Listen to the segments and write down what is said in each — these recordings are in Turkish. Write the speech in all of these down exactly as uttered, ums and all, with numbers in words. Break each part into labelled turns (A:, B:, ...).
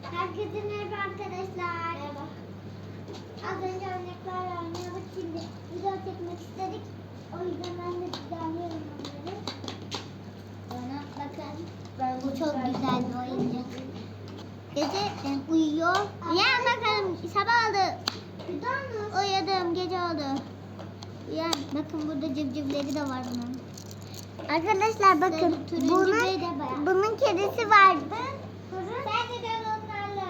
A: Herkese merhaba arkadaşlar. Merhaba. Az önce örneklerle oynuyorduk. Şimdi video çekmek istedik. O yüzden ben de düzenliyorum onları. Bana bakın.
B: Ben
A: Bu çok güzel bir oyuncak. Gece e, uyuyor. Uyan bakalım. Sabah oldu. Uyudum. Gece oldu. Uyan. Bakın burada civcivleri de var bunun. Arkadaşlar bakın.
B: Turuncu
A: Bunun,
B: bey de bayağı.
A: bunun kedisi vardı. Sen de dön onlarla.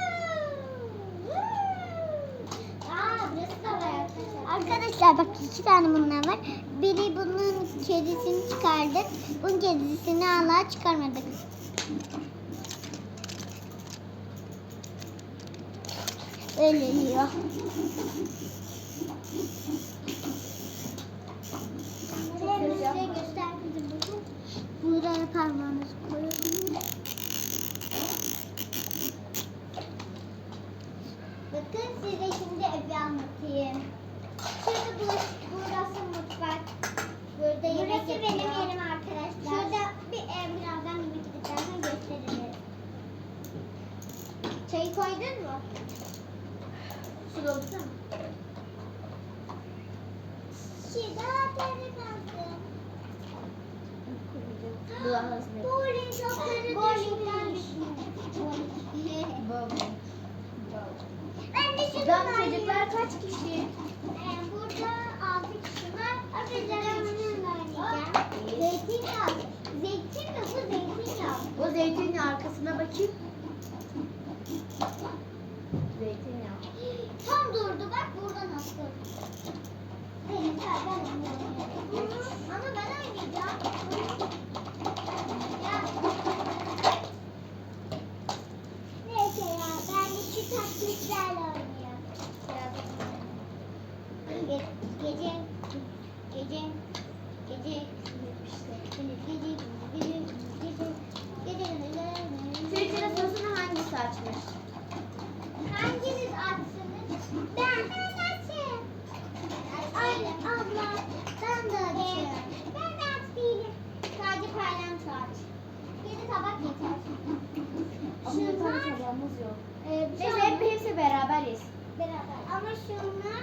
B: Aa, burası da var arkadaşlar.
A: Arkadaşlar bak iki tane bunlar var. Biri bunun kedisini çıkardık. Bunun kedisini hala çıkarmadık. Öyle diyor.
B: Size göster kızım bakın.
A: Buraya parmağınızı koyalım. Bakın size şimdi evi anlatayım. Şurada bulaşık, burası mutfak. Burada yemek
B: Burası
A: yapıyor.
B: benim yerim arkadaşlar.
A: Şurada bir ev, birazdan yemek yediklerden gösteririm. Çayı koydun mu?
B: Su doldursana.
A: Şurada peri kalsın.
B: Bu da hazne.
A: Bowling topları
B: Bowling'den
A: düşmüş. Ben de şunu
B: Buradan
A: alayım.
B: çocuklar kaç kişi?
A: Ee, burada altı kişi var. Arkadaşlar ben bununla oynayacağım. Zeytinyağı. Zeytin mi bu zeytinyağı?
B: O zeytinin arkasına bakayım. Zeytinyağı.
A: Tam durdu bak burada nasıl. Benim ben oynayacağım. Ama ben oynayacağım. Ya. Neyse ya ben de şu taklitlerle oynuyorum. Ge gece gece gece gece gece gece
B: Şu içine sosunu hangisi açmış?
A: hanginiz açsınız? Ben ben açayım. Ay abla ben de açayım. Ben de aç değilim. Sadece paylanço aç. Yedi tabak yeter. Şunlar
B: tabağımız yok.
A: e, bir şey
B: Neyse hep
A: olmaz.
B: hepsi beraber yesin.
A: Beraber. Ama şunlar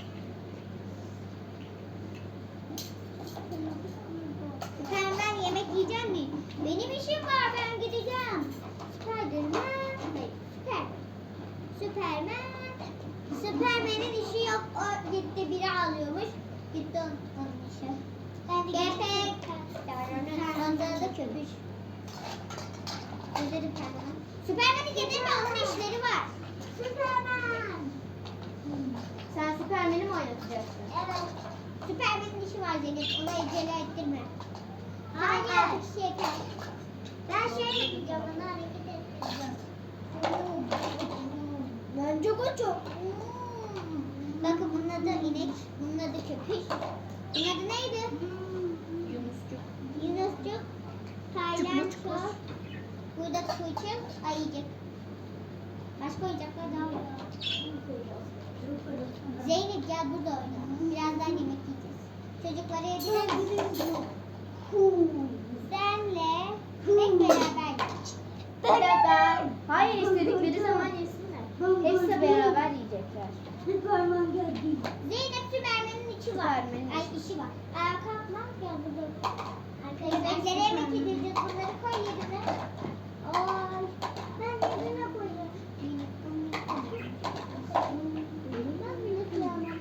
A: Süper ben yemek yiyeceğim mi? Benim işim var ben gideceğim. Spiderman. Hayır, Süper. Süperman. Süpermen'in işi yok. O gitti biri alıyormuş. Gitti onun, onun işi. Ben de Gepek. Onda da köpüş. Özledim Süperman. Süpermen'i getirme onun işleri var. Süperman.
B: Sen Süpermen'i mi oynatacaksın?
A: Evet. Süpermen'in işi var Zeynep. Ona acele ettirme.
B: Hayır.
A: Hayır. Altı kişi yeter. Ben şöyle yapacağım. Onu hareket ettireceğim.
B: Bence koçum.
A: Bakın bunun adı inek. Bunun adı köpüş. Bunun adı neydi?
B: Yunuscuk.
A: Yunuscuk. Paylanço. Burada kuşum. Ayıcık. Başka oyuncaklar daha var. Zeynep gel burada oyna. Birazdan yemek yiyeceğiz. Çocuklara yedirelim. Senle hep beraber yiyeceğiz.
B: Beraber. Hayır istedikleri zaman yesinler. Hepsi beraber yiyecekler.
C: Süperman geldi.
A: Zeynep Süpermen'in içi var.
B: Süpermen'in
A: Ay
B: içi.
A: işi var. Ayağa kalkma. Gel burada. Arkadaşlar yemek yiyeceğiz. Bunları koy yerine. Ay. Ben yerine koyuyorum. Ben bile koyamam.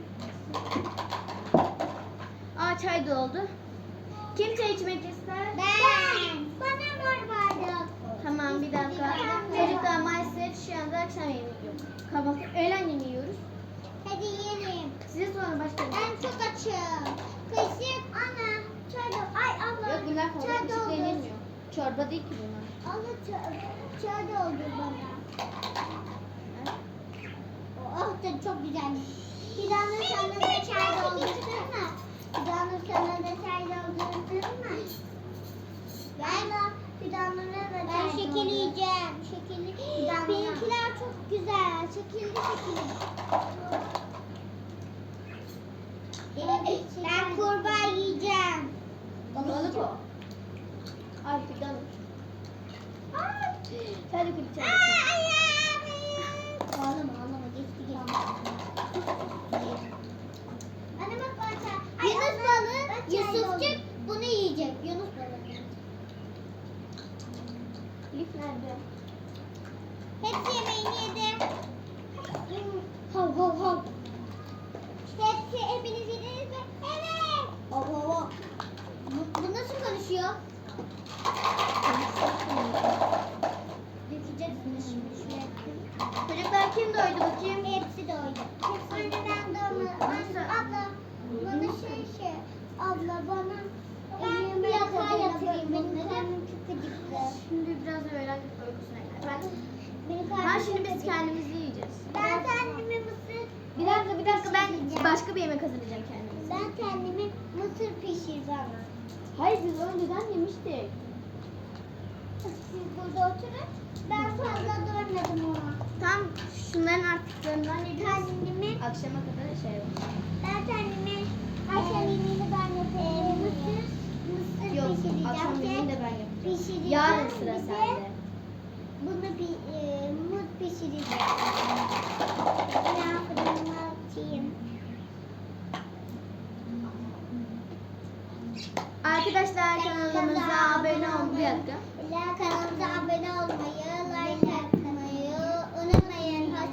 B: Aa çay doldu. Kim çay içmek ister?
A: Ben. Bana mor bardak.
B: Tamam bir dakika. Çocuklar maalesef şu anda akşam yemeği yok. Kahvaltı, öğlen yemeği yiyoruz.
A: Hadi yiyelim.
B: Size sonra başka bir
A: Ben çok açım. Kaşık. Ana. Çay da. Ay abla.
B: Yok bunlar fazla
A: Çay
B: küçük
A: doldur.
B: denilmiyor. Çorba değil ki bunlar.
A: Abla çay, çay doldur bana. Oh da çok güzelmiş. Fidanur sana da çay doldursun mu? Fidanur sana da çay doldursun mu? Galiba Fidanur'a da çay Ben şekil yiyeceğim. Şekilli. Benimkiler çok güzel. Şekilli şekilli. Ben kurbağa yiyeceğim.
B: Balık o. Ay fidan. Hadi kulüp çay.
A: Ay ay. Hepsi yemeğini yedi. Hav hav hav. Hepsi, hepiniz yediniz mi? Evet. Hav hav hav. Bu, bu nasıl konuşuyor? Dökeceksiniz şimdi şuraya.
B: Çocuklar kim doydu bakayım?
A: Hepsi doydu. Anne ben doymadım. Anne, abla bana şey şey. Abla bana ben yatağa yatırayım. Benim karnım çok acıktı.
B: Şimdi biraz öğlen uykusuna gider. Ben,
A: Benim
B: ha
A: karnım
B: şimdi
A: çok
B: biz
A: acıktı.
B: kendimizi yiyeceğiz.
A: Ben kendime mısır...
B: Bir dakika bir dakika ben
A: pişireceğim.
B: başka bir yemek hazırlayacağım kendimize.
A: Ben kendime mısır pişir bana.
B: Hayır biz önceden yemiştik.
A: Siz burada oturun. Ben fazla doymadım ona.
B: Tam şunların artıklarından yiyeceğiz.
A: Kendime,
B: Akşama kadar şey var.
A: ben kendime akşam yemeğini ben yapayım. Mısır, mısır
B: Yok
A: pişireceğim.
B: akşam yemeğini de
A: Kek
B: ben yapacağım.
A: pişireceğim.
B: Yarın sıra
A: Bir de
B: sende.
A: Bunu bir e, mut pişireceğim. Ben fırınıma atayım.
B: Arkadaşlar kanalımıza abone olmayı. Bir dakika.
A: Kanalımıza abone olmayı,